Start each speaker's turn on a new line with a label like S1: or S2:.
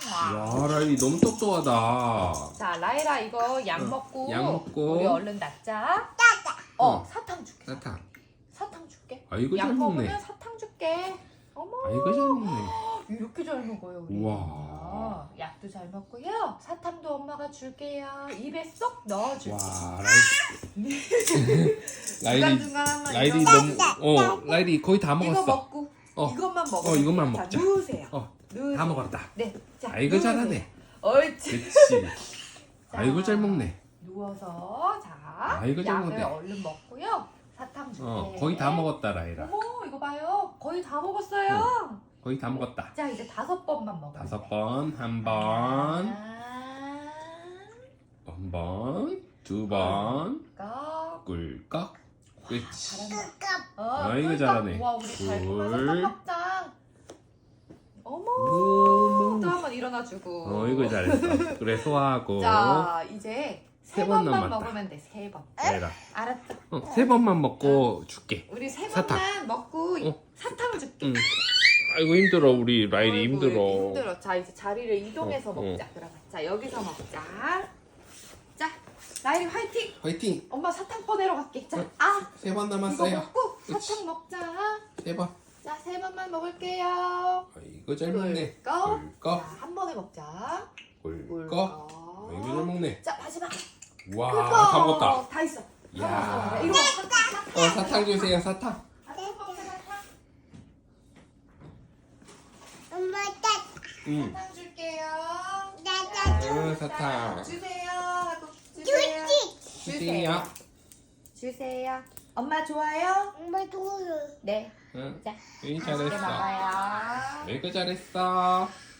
S1: 야, 라일이 너무 똑똑하다.
S2: 자, 라이라 이거 약 먹고
S1: 약 먹고.
S2: 우리 얼른 낫자.
S1: 어.
S2: 사탕 줄게.
S1: 사탕.
S2: 사탕 줄게.
S1: 아이고
S2: 약
S1: 잘 먹네.
S2: 먹으면 사탕 줄게. 어머.
S1: 아이고 잘 먹네.
S2: 이렇게 잘 먹어요, 우리.
S1: 우와.
S2: 약도 잘 먹고요. 사탕도 엄마가 줄게요. 입에 쏙 넣어줄게.
S1: 와, 라일이
S2: 중간중간
S1: 라일이
S2: 이거
S1: 너무 라일이 거의 다
S2: 이거
S1: 먹었어.
S2: 먹고
S1: 어.
S2: 이것만 먹어.
S1: 이것만
S2: 자,
S1: 먹자.
S2: 누우세요.
S1: 다 먹었다.
S2: 네. 자,
S1: 아이고
S2: 누우세요.
S1: 잘하네.
S2: 옳지.
S1: 그렇지.
S2: 자,
S1: 아이고 잘 먹네.
S2: 누워서 자,
S1: 아이고, 잘
S2: 약을
S1: 먹네.
S2: 얼른 먹고요. 사탕 줄게.
S1: 거의 다 먹었다, 라일아.
S2: 어머, 이거 봐요. 거의 다 먹었어요.
S1: 거의 다 먹었다.
S2: 자, 이제 5번만 먹어.
S1: 5번, 한 번, 한 번, 2번,
S2: 꺽.
S1: 꿀꺽. 그렇지.
S2: 잘한다.
S1: 아이고,
S2: 꿀꺽.
S1: 잘하네.
S2: 와, 우리 달콤한
S1: 둘.
S2: 사탕 먹자. 어머.
S1: 오.
S2: 또 한 번 일어나주고.
S1: 이거 잘했어. 그래, 소화하고.
S2: 자, 이제
S1: 세
S2: 3
S1: 번
S2: 번만
S1: 남았다.
S2: 먹으면 돼. 3번.
S1: 라일아.
S2: 알았죠?
S1: 3번만 먹고 줄게.
S2: 우리 3
S1: 사탕.
S2: 번만 먹고
S1: 어.
S2: 사탕 줄게.
S1: 응. 아이고 힘들어, 우리 라일이
S2: 아이고,
S1: 힘들어.
S2: 이렇게 힘들어. 자, 이제 자리를 이동해서
S1: 어,
S2: 먹자. 그러면. 자, 여기서 먹자. 자, 라일이 화이팅!
S1: 화이팅!
S2: 엄마 사탕 꺼내러 갈게. 자,
S1: 3번
S2: 이거
S1: 남았어요.
S2: 먹고
S1: 그치.
S2: 사탕 먹자.
S1: 3번.
S2: 자, 3번만 먹을게요.
S1: 아이고 잘 먹네.
S2: 꿀꺽.
S1: 꿀꺽.
S2: 자, 한 번에 먹자.
S1: 꿀꺽. 아이고 잘 먹네.
S2: 자, 마지막.
S1: 와,
S2: 꿀꺽.
S1: 다 먹었다.
S2: 다 있어. 다
S1: 야.
S2: 먹었어. 이거 사탕.
S1: 사탕 주세요, 사탕.
S2: 사탕 먹자, 사탕.
S1: 응.
S2: 사탕 줄게요.
S1: 사탕.
S2: 주세요. 하고 주세요.
S1: 주세요.
S2: 주세요. 엄마 좋아요? 네.
S1: 응.
S2: 자,
S1: 응,
S2: 맛있게
S1: 잘했어.
S2: 먹어요.
S1: 아이고 잘했어.